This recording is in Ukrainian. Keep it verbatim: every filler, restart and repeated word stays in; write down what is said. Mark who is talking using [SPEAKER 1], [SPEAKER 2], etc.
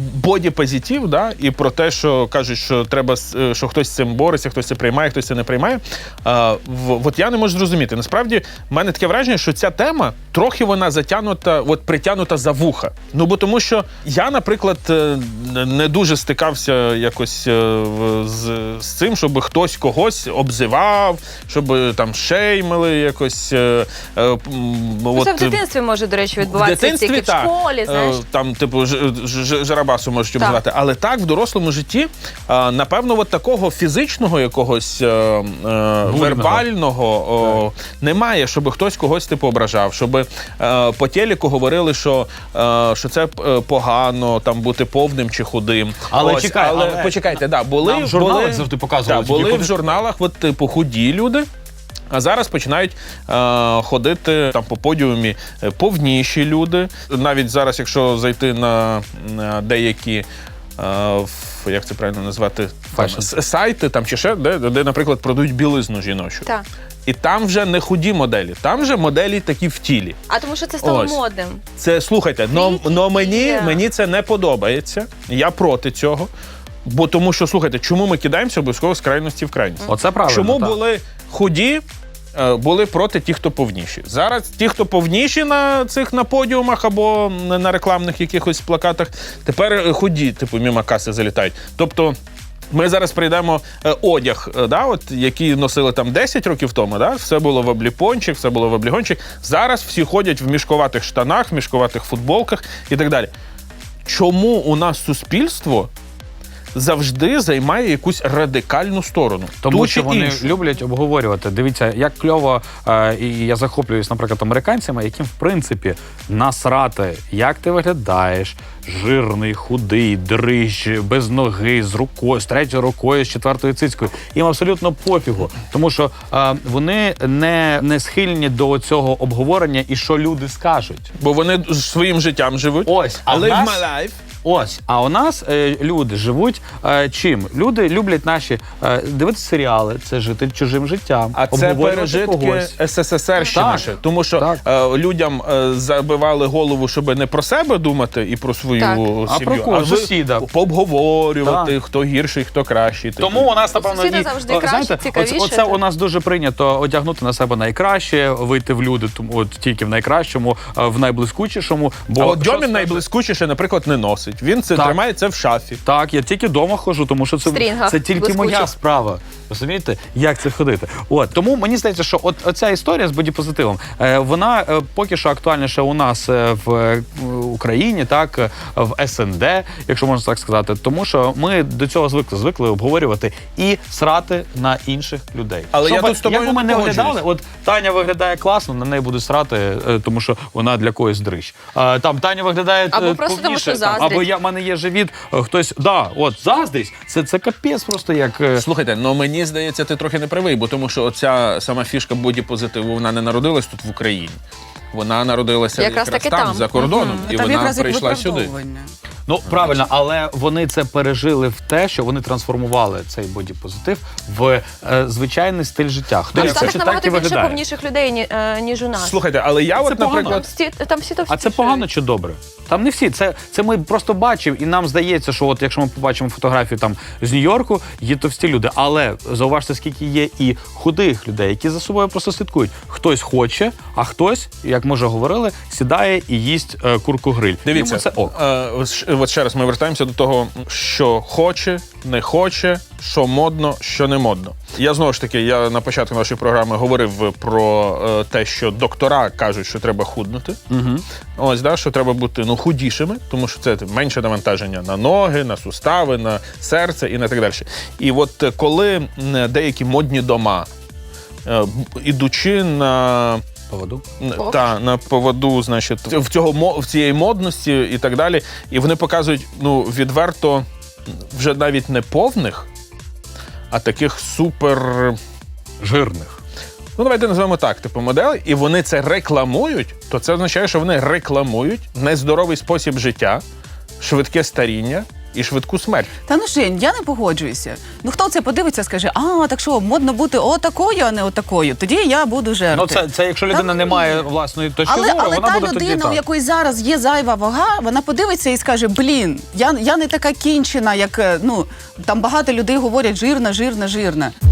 [SPEAKER 1] боді-позитив, да, і про те, що кажуть, що треба, що хтось з цим бореться, хтось це приймає, хтось це не приймає. А, в, от я не можу зрозуміти. Насправді, в мене таке враження, що ця тема трохи вона затягнута, от притягнута за вуха. Ну, бо тому що я, наприклад, не дуже стикався якось з, з цим, щоб хтось когось обзивав, щоб там шеймили якось. Е, е,
[SPEAKER 2] от, це в дитинстві може, до речі, відбуватися, тільки в школі, знаєш.
[SPEAKER 1] Там, типу, Жарабасу можуть обзивати. Так. Але так, в дорослому житті, напевно, от такого фізичного якогось е, е, вербального о, немає, щоб хтось когось типу ображав, щоб е, по телеку говорили, що, е, що це погано, там, бути повним чи худим.
[SPEAKER 3] Але,
[SPEAKER 1] Ось,
[SPEAKER 3] чекай,
[SPEAKER 1] але,
[SPEAKER 3] але
[SPEAKER 1] почекайте, да, були,
[SPEAKER 3] нам в журналах
[SPEAKER 1] були,
[SPEAKER 3] завжди показували.
[SPEAKER 1] Да, були
[SPEAKER 3] худи...
[SPEAKER 1] в журналах от, типу, худі люди, а зараз починають е, ходити там по подіумі повніші люди. Навіть зараз, якщо зайти на, на деякі, е, як це правильно назвати, там, сайти там, чи ще, де, де, наприклад, продають білизну жіночу.
[SPEAKER 2] Так.
[SPEAKER 1] І там вже не худі моделі, там вже моделі такі в тілі.
[SPEAKER 2] А тому що це стало
[SPEAKER 1] Ось.
[SPEAKER 2] модним.
[SPEAKER 1] Це, слухайте, но, но мені, мені це не подобається, я проти цього. Бо тому що, слухайте, чому ми кидаємося обов'язково з крайності в крайність?
[SPEAKER 3] Оце правильно.
[SPEAKER 1] Чому
[SPEAKER 3] так.
[SPEAKER 1] були худі, були проти тих, хто повніші? Зараз ті, хто повніші на цих на подіумах або на рекламних якихось плакатах, тепер худі, типу, мимо каси залітають. Тобто ми зараз прийдемо е, одяг, е, да, от, який носили там десять років тому, да, все було в обліпончик, все було в облігончик. Зараз всі ходять в мішковатих штанах, в мішковатих футболках і так далі. Чому у нас суспільство завжди займає якусь радикальну сторону?
[SPEAKER 3] Тому
[SPEAKER 1] Ту
[SPEAKER 3] що вони
[SPEAKER 1] іншу?
[SPEAKER 3] люблять обговорювати. Дивіться, як кльово, е, і я захоплююсь, наприклад, американцями, яким, в принципі, насрати, як ти виглядаєш, жирний, худий, дрищ, без ноги, з рукою, з третьою рукою, з четвертою цицькою. Їм абсолютно пофігу. Тому що е, вони не, не схильні до цього обговорення і що люди скажуть.
[SPEAKER 1] Бо вони своїм життям живуть.
[SPEAKER 3] Ось, а
[SPEAKER 1] але
[SPEAKER 3] в нас...
[SPEAKER 1] в my life.
[SPEAKER 3] Ось, а у нас е, люди живуть е, чим? Люди люблять наші е, дивитися серіали, це жити чужим життям,
[SPEAKER 1] а це пережитки
[SPEAKER 3] когось.
[SPEAKER 1] ес ес ес ер ще наше. Тому що е, людям е, забивали голову, щоб не про себе думати і про свою
[SPEAKER 2] так.
[SPEAKER 1] сім'ю,
[SPEAKER 3] а про кого? Сусіда.
[SPEAKER 1] Пообговорювати, так. Хто гірший, хто кращий.
[SPEAKER 3] Тому у нас, напевно,
[SPEAKER 2] сусіда завжди краще,
[SPEAKER 3] знаєте,
[SPEAKER 2] цікавіше.
[SPEAKER 3] Оце, оце у нас дуже прийнято одягнути на себе найкраще, вийти в люди, тому от тільки в найкращому, в найблискучішому. Бо
[SPEAKER 1] а от Дьомін найблискучіше, наприклад, не носить. Він це так. тримає це в шафі.
[SPEAKER 3] Так, я тільки вдома ходжу, тому що це, це тільки блискучі. Моя справа. Розумієте, як це ходити? От, тому мені здається, що от оця історія з бодіпозитивом, е, вона е, поки що актуальніша у нас е, в е, Україні, так, е, в ес ен де, якщо можна так сказати, тому що ми до цього звикли, звикли обговорювати і срати на інших людей.
[SPEAKER 1] Але
[SPEAKER 3] Щоб,
[SPEAKER 1] я тут з тобою
[SPEAKER 3] як би ми
[SPEAKER 1] не
[SPEAKER 3] не виглядали, от Таня виглядає класно, на неї будуть срати, е, тому що вона для когось дрищ. Е, там Таня виглядає
[SPEAKER 2] або
[SPEAKER 3] е,
[SPEAKER 2] просто
[SPEAKER 3] повніше,
[SPEAKER 2] тому, що
[SPEAKER 3] там, або я, в мене є живіт, е, хтось, да, от, заздрість, це, це капець просто як... Е...
[SPEAKER 1] Слухайте, ну мені здається, ти трохи не правий, бо тому що оця сама фішка бодіпозитиву, вона не народилась тут в Україні. Вона народилася
[SPEAKER 2] якраз,
[SPEAKER 1] якраз
[SPEAKER 2] там,
[SPEAKER 1] там, за кордоном,
[SPEAKER 4] угу.
[SPEAKER 1] і
[SPEAKER 4] там
[SPEAKER 1] вона прийшла сюди.
[SPEAKER 3] Ну, правильно, але вони це пережили в те, що вони трансформували цей бодіпозитив в е, звичайний стиль життя.
[SPEAKER 2] Хто
[SPEAKER 3] хоче,
[SPEAKER 2] так набагато
[SPEAKER 3] так і
[SPEAKER 2] більше повніших людей, ні, е, ніж у нас.
[SPEAKER 1] Слухайте, але я
[SPEAKER 3] це
[SPEAKER 1] от,
[SPEAKER 3] погано.
[SPEAKER 1] наприклад...
[SPEAKER 2] Там всі, там всі товсті.
[SPEAKER 3] А це погано чи добре? Там не всі. Це, це ми просто бачимо, і нам здається, що от якщо ми побачимо фотографію там з Нью-Йорку, є товсті люди. Але зауважте, скільки є і худих людей, які за собою просто слідкують. Хтось хоче, а хтось, як ми вже говорили, сідає і їсть е, курку-гриль.
[SPEAKER 1] Дивіться,
[SPEAKER 3] це ок.
[SPEAKER 1] Е, от ще раз ми вертаємося до того, що хоче, не хоче, що модно, що не модно. Я знову ж таки, я на початку нашої програми говорив про е, те, що доктора кажуть, що треба худнути.
[SPEAKER 3] Угу.
[SPEAKER 1] Ось, да, що треба бути ну, худішими, тому що це менше навантаження на ноги, на сустави, на серце і на так далі. І от коли деякі модні дома, е, ідучи на...
[SPEAKER 3] Поводу?
[SPEAKER 1] Та, на поводу, значить, в, цього, в цієї модності і так далі. І вони показують, ну, відверто, вже навіть не повних, а таких супер...
[SPEAKER 3] жирних.
[SPEAKER 1] Ну, давайте назвемо так, типу, моделі, і вони це рекламують, то це означає, що вони рекламують нездоровий спосіб життя, швидке старіння і швидку смерть.
[SPEAKER 4] Та ну Жень, я не погоджуюся. Ну хто це подивиться, скаже, а, так що, модно бути отакою, а не отакою. Тоді я буду жерти.
[SPEAKER 3] Ну, це, це якщо людина
[SPEAKER 4] Та,
[SPEAKER 3] не має власної точки
[SPEAKER 4] Але,
[SPEAKER 3] зору,
[SPEAKER 4] але
[SPEAKER 3] вона
[SPEAKER 4] та
[SPEAKER 3] буде тоді
[SPEAKER 4] людина,
[SPEAKER 3] так.
[SPEAKER 4] у якої зараз є зайва вага, вона подивиться і скаже, блін, я, я не така кінчена, як, е, ну, там багато людей говорять жирна, жирна, жирна.